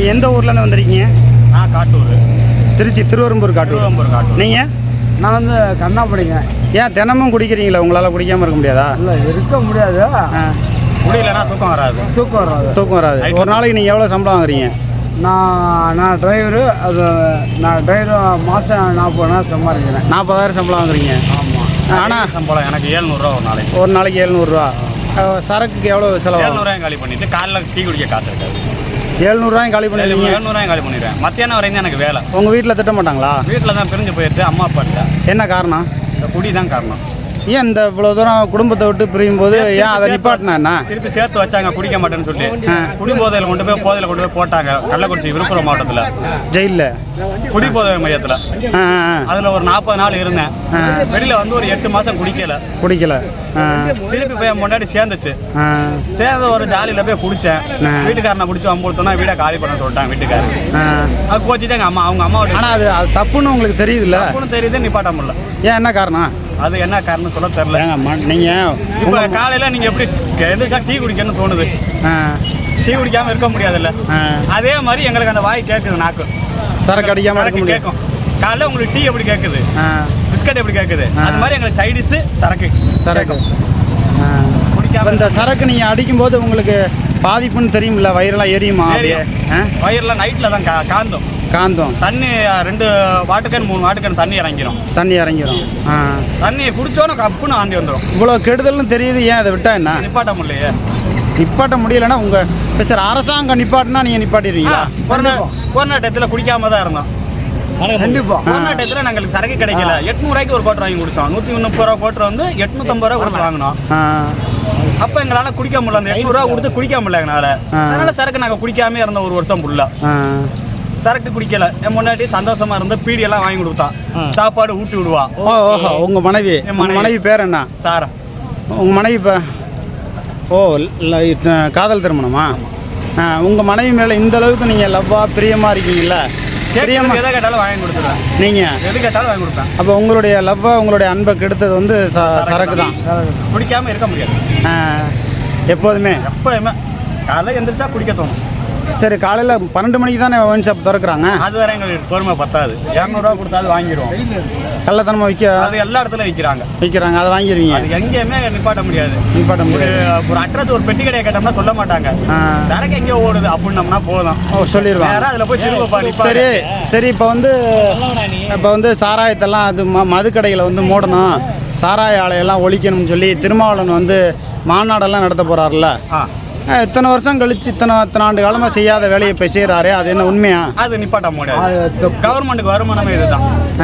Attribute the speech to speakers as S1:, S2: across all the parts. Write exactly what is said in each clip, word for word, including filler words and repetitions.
S1: எந்த ஊர்லேருந்து வந்திருக்கீங்க?
S2: நான் காட்டூர்,
S1: திருச்சி திருவெரும்பூர் காட்டூர்.
S2: திருவெரும்பூர் காட்டூர்.
S1: நீங்கள்?
S3: நான் வந்து கண்ணாப்படிங்க.
S1: ஏன் தினமும் குடிக்கிறீங்களா? உங்களால் குடிக்காமல் இருக்க முடியாதா?
S3: இல்லை, இருக்க முடியாது.
S2: முடியலன்னா தூக்கம் வராது.
S3: தூக்கம் வராது.
S1: தூக்கம் வராது. ஒரு நாளைக்கு நீங்கள் எவ்வளோ சம்பளம் வாங்குறீங்க?
S3: நான் நான் டிரைவரு. அது நான் டிரைவரு மாதம் நாற்பதாயிரம் சம்பாதிக்கிறேன்.
S1: நாற்பதாயிரம் சம்பளம் வாங்குறீங்க.
S2: ஆமாம். ஆனால் சம்பளம் எனக்கு ஏழ்நூறுரூவா ஒரு நாளைக்கு.
S1: ஒரு நாளைக்கு எழுநூறுவா. சரக்குக்கு எவ்வளோ செலவு?
S2: ஏழ்நூறுவாயும் காலி பண்ணிட்டு காலைல டீ குடிக்க காசு இருக்காது.
S1: எழுநூறுவாயும் காலி பண்ணிடுவீங்க?
S2: எழுநூறுவாயும் காலி பண்ணிடுவேன். மத்தியானம் வரைக்கும் எனக்கு வேலை.
S1: உங்கள் வீட்டில் திட்ட மாட்டாங்களா?
S2: வீட்டில் தான் பிரிஞ்சு போயிடுச்சு அம்மா அப்பாட்ட.
S1: என்ன காரணம்?
S2: இந்த குடி தான் காரணம்.
S1: ஏன் இந்த இவ்வளோ தூரம் குடும்பத்தை விட்டு பிரியும் போது ஏன் அதை நிப்பாட்டினா என்ன?
S2: திருப்பி சேர்த்து வச்சாங்க குடிக்க மாட்டேன்னு சொல்லி. குடி போதையில் கொண்டு போய் போதையில் கொண்டு போய் போட்டாங்க கள்ளக்குறிச்சி விழுப்புரம் மாவட்டத்தில்
S1: ஜெயிலில்
S2: குடி போதை மையத்தில்.
S1: ஆ
S2: அதில் ஒரு நாற்பது நாள் இருந்தேன். வெளியில் வந்து ஒரு எட்டு மாதம் குடிக்கல
S1: குடிக்கல
S2: திருப்பி போய் முன்னாடி சேர்ந்துச்சு.
S1: ஆ
S2: சேர்ந்த ஒரு ஜாலியில் போய் குடித்தேன். வீட்டுக்காரனை பிடிச்சி அம்புத்தோன்னா வீடை காலி பண்ண சொல்லிட்டாங்க வீட்டுக்காரன். அது கோச்சிட்டு எங்கள் அம்மா அவங்க அம்மாவோட.
S1: ஆனால் அது அது தப்புன்னு உங்களுக்கு தெரியுதுல்ல?
S2: தப்புன்னு தெரியுது, நிப்பாட்ட முடியல.
S1: ஏன் என்ன காரணம்?
S2: அது என்ன காரணம் சொல்ல தெரியல.
S1: நீங்கள்
S2: இப்போ காலையில் நீங்கள் எப்படி எதுக்கா டீ குடிக்கணும்னு தோணுது. டீ குடிக்காமல் இருக்க முடியாதுல்ல. அதே மாதிரி எங்களுக்கு அந்த வாய் கேட்குது, நாக்கு
S1: சரக்கு அடிக்காமல் இருக்க முடியும்.
S2: கேட்கும். காலையில் உங்களுக்கு டீ எப்படி கேட்குது, பிஸ்கட் எப்படி கேட்குது, அது மாதிரி எங்களுக்கு சைடிஸு சரக்கு
S1: சரக்கு குடிக்காம. இந்த சரக்கு நீங்கள் அடிக்கும்போது உங்களுக்கு பாதிப்புன்னு தெரியுமில்ல? வயிறெல்லாம் எரியுமா? அப்படியே
S2: வயிறெல்லாம் நைட்டில் தான் கா காந்தம்
S1: காந்தம்
S2: தண்ணி ரெண்டு வாட்டுக்கன் மூணு வாட்டுக்கன் தண்ணி இறங்கிடும்.
S1: தண்ணி இறங்கிடும். ஆ
S2: தண்ணி குடிச்சோன்னு கப்புன்னு ஆந்தி வந்துடும்.
S1: இவ்வளோ கெடுதல்னு தெரியுது, ஏன் அதை விட்டா என்ன?
S2: நிப்பாட்ட முடியலையே.
S1: நிப்பாட்ட முடியலைன்னா உங்கள் சார் அரசாங்கம் நிப்பாட்டினா நீங்கள் நிப்பாட்டிடுவீங்களா?
S2: கொரோனா கொரோனா டயத்தில் குடிக்காம தான் இருந்தோம். கண்டிப்பாக கொரோனா டயத்தில் நாங்களுக்கு சரக்கு கிடைக்கல. எட்நூறுவாய்க்கு ஒரு கோட்டர் வாங்கி குடித்தோம். நூற்றி முப்பது ரூபா கோட்டர் வந்து எட்நூற்றம்பது ரூபா கொடுத்து வாங்கினோம். அப்போ எங்களால் குடிக்க முடியல. அந்த எட்நூறுவா கொடுத்து குடிக்க முடியல எங்களால். அதனால சரக்கு நாங்கள் குடிக்காமே இருந்தோம் ஒரு வருஷம் ஃபுல்லாக. சரக்கு குடிக்கல. என் முன்னாடி சந்தோஷமா இருந்து பீடியெல்லாம் வாங்கி கொடுத்தான். சாப்பாடு ஊட்டி விடுவா.
S1: ஓ ஓஹோ உங்கள் மனைவி மனைவி பேர் என்ன?
S2: சாரா.
S1: உங்கள் மனைவி இப்போ ஓ இல்லை காதல் திருமணமா? உங்கள் மனைவி மேலே இந்த அளவுக்கு நீங்கள் லவ்வா பிரியமாக இருக்கீங்கல்ல?
S2: பிரியமா எதை கேட்டாலும் வாங்கி கொடுத்துருவேன்.
S1: நீங்கள்
S2: எது கேட்டாலும் வாங்கி கொடுப்பேன்.
S1: அப்போ உங்களுடைய லவ்வா உங்களுடைய அன்பை கெடுத்தது வந்து ச சரக்கு தான்.
S2: குடிக்காமல் இருக்க முடியாது
S1: எப்போதுமே.
S2: எப்போதுமே காலையில் எந்திரிச்சா குடிக்க தோணும்.
S1: சரி, காலையில் பன்னெண்டு மணிக்கு தானே ஒயின் ஷாப் திறக்கிறாங்க.
S2: அது வரை எங்களுக்கு பொறுமை பத்தாது. இரநூறுவா கொடுத்தாது வாங்கிடுவோம்.
S1: கள்ளத்தனமாக விற்க
S2: அது எல்லா இடத்துல விற்கிறாங்க
S1: விற்கிறாங்க அதை வாங்கிடுவீங்க.
S2: அது எங்கேயுமே நிப்பாட்ட முடியாது.
S1: நிப்பாட்ட முடியாது.
S2: ஒரு அட்ரஸ் ஒரு பெட்டி கடையை கேட்டோம்னா சொல்ல மாட்டாங்க. சரக்கு எங்கேயோ ஓடுது அப்படின்னம்னா போதும்.
S1: ஓ சொல்லிடுவாங்க.
S2: வேற அதில் போய் திரும்ப.
S1: சரி சரி இப்போ வந்து இப்போ வந்து சாராயத்தெல்லாம் அது ம மது கடைகளை வந்து மூடணும், சாராய ஆலையெல்லாம் ஒழிக்கணும்னு சொல்லி திருமாவளவன் வந்து மாநாடெல்லாம் நடத்த போகிறாருல்ல? இத்தனை வருஷம் கழிச்சு இத்தனை இத்தனை ஆண்டு காலமாக செய்யாத வேலையை இப்போ செய்கிறாரு. அது என்ன உண்மையா?
S2: அது நிப்பாட்ட முடியாது. கவர்மெண்ட்டுக்கு வருமானமே இதுதான்.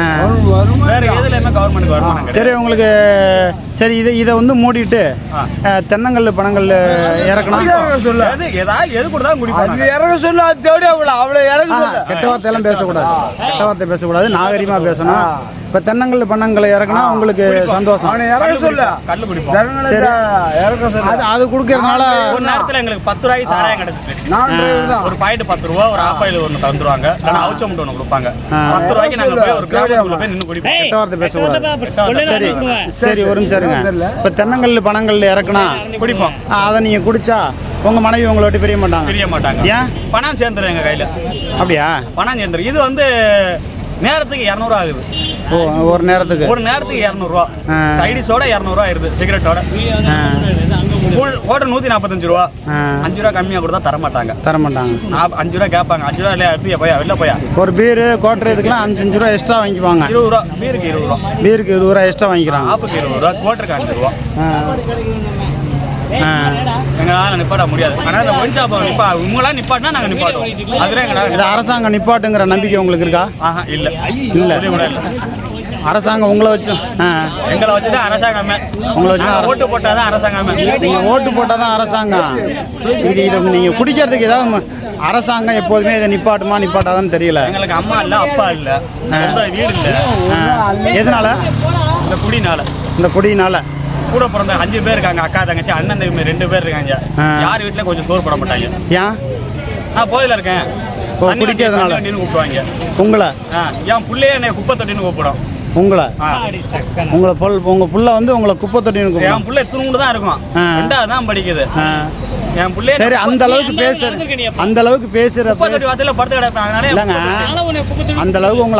S2: வேற எதுலையுமே கவர்மெண்ட்டுக்கு வருமானம்.
S1: சரி உங்களுக்கு சரி இதை இதை வந்து மூடிட்டு தென்னங்கல் பணங்கள் இறக்கணும்.
S2: ஏதாவது எது கொடுத்தாலும் குடிப்பாங்க.
S3: இறங்க சொல்லு. அது தேடி அவ்வளோ இறங்க.
S1: கெட்ட வார்த்தையெல்லாம் பேசக்கூடாது. கெட்ட வார்த்தை பேசக்கூடாது. நாகரிகமாக பேசணும். இப்போ தென்னங்கல் பணங்களை இறக்குனா உங்களுக்கு சந்தோஷம்.
S3: இறங்க சொல்லு.
S2: கல்லு குடிப்போம்.
S3: இறக்க சொல்லு.
S1: அது அது கொடுக்கறதுனால
S2: ஒரு நேரத்தில் எங்களுக்கு பத்து ரூபாய்க்கு சாராயம் கிடைச்சிச்சு. ஒரு பாயிண்ட் பத்து ரூபா, ஒரு ஆப்பாயில் ஒன்று தந்துருவாங்க. இல்லைன்னா அவுச்ச முட்டை ஒன்று கொடுப்பாங்க. பத்து ரூபாய்க்கு நாங்கள் போய் ஒரு கிராமத்துக்குள்ள போய் நின்று குடிப்போம்.
S1: கெட்ட வார்த்தை பேசக்கூடாது. சரி சரி ஒரு நிமிஷம் இருங்க. இப்போ தென்னங்கல் பணங்கள் இறக்குனா
S2: குடிப்போம்.
S1: அதை நீங்கள் குடிச்சா உங்கள் மனைவி உங்களை விட்டு பிரிய மாட்டாங்க?
S2: பிரிய மாட்டாங்க.
S1: ஏன்?
S2: பணம் சேர்ந்துடும் எங்கள் கையில்.
S1: அப்படியா? பணம்
S2: சேர்ந்துடும். இது வந்து நேரத்துக்கு இரநூறுவா ஆகுது.
S1: ஓ ஒரு நேரத்துக்கு
S2: ஒரு நேரத்துக்கு இரநூறுவா. சைடிஸோட இரநூறுவா ஆயிருது. சிகரெட்டோட ஓட்ட நூற்றி நாற்பத்தஞ்சு ரூபா. அஞ்சு ரூபா கம்மியாக கொடுத்தா தரமாட்டாங்க.
S1: தரமாட்டாங்க.
S2: அஞ்சு ரூபா கேட்பாங்க. அஞ்சு ரூபா இல்லையா எடுத்து போயா வெளில போயா.
S1: ஒரு பீரு கோட்டர் இதுக்கெல்லாம் அஞ்சு அஞ்சு ரூபா எக்ஸ்ட்ரா வாங்கிக்குவாங்க.
S2: இருபது ரூபா பீருக்கு இருபது ரூபா.
S1: பீருக்கு இருபது ரூபா எக்ஸ்ட்ரா வாங்கிக்கிறாங்க.
S2: ஆப்புக்கு இருபது ரூபா, கோட்டருக்கு அஞ்சு ரூபா. எங்களால் நிப்பாட்ட முடியாது. ஆனால் ஒயின் ஷாப் நிப்பா இவங்களாம் நிப்பாட்டினா நாங்கள் நிப்பாட்டுவோம். அதுல எங்களால்
S1: இது அரசாங்கம் நிப்பாட்டுங்கிற நம்பிக்கை உங்களுக்கு இருக்கா?
S2: ஆஹா இல்லை
S1: இல்லை
S2: கூட இல்லை.
S1: அரசாங்கம் உங்களை வச்சு
S2: எங்களை வச்சு தான் அரசாங்கமே.
S1: உங்களை வச்சு
S2: ஓட்டு போட்டால் தான் அரசாங்கமே.
S1: நீங்கள் ஓட்டு போட்டால் தான் அரசாங்கம். இது இதை நீங்கள் குடிக்கிறதுக்கு ஏதாவது அரசாங்கம் எப்போதுமே இதை நிப்பாட்டுமா நிப்பாட்டாதான்னு தெரியல.
S2: எங்களுக்கு அம்மா இல்லை, அப்பா இல்லை, வீடு இல்லை.
S1: எதனால?
S2: இந்த குடினால.
S1: இந்த குடினால
S2: கூட பிறந்த அஞ்சு பேர் இருக்காங்க. அக்கா தங்கச்சி அண்ணன் தம்பி ரெண்டு பேர் இருக்காங்க. யார் வீட்டில் கொஞ்சம் சோறு போட மாட்டாங்க.
S1: ஏன்?
S2: நான் போதில் இருக்கேன்.
S1: குடிக்கிறதுனால
S2: கூப்பிடுவாங்க
S1: உங்களை.
S2: என் பிள்ளைய என்னை குப்பை தொட்டின்னு கூப்பிடும்.
S1: உங்களை உங்களை பொல் உங்கள் புள்ள வந்து உங்களை குப்பை தொட்டின்னு கூப்பிடும்.
S2: என் பிள்ளை துணுண்டு தான் இருக்கும். ரெண்டாவது தான் படிக்குது. என் பிள்ளைய
S1: சரி அந்த அளவுக்கு பேசுற அந்த அளவுக்கு பேசுற
S2: முப்பத்தெட்டு வாசல்ல படுத்து கிடப்பேன் அதனால
S1: இல்லைங்க அந்த அளவுக்கு உங்களை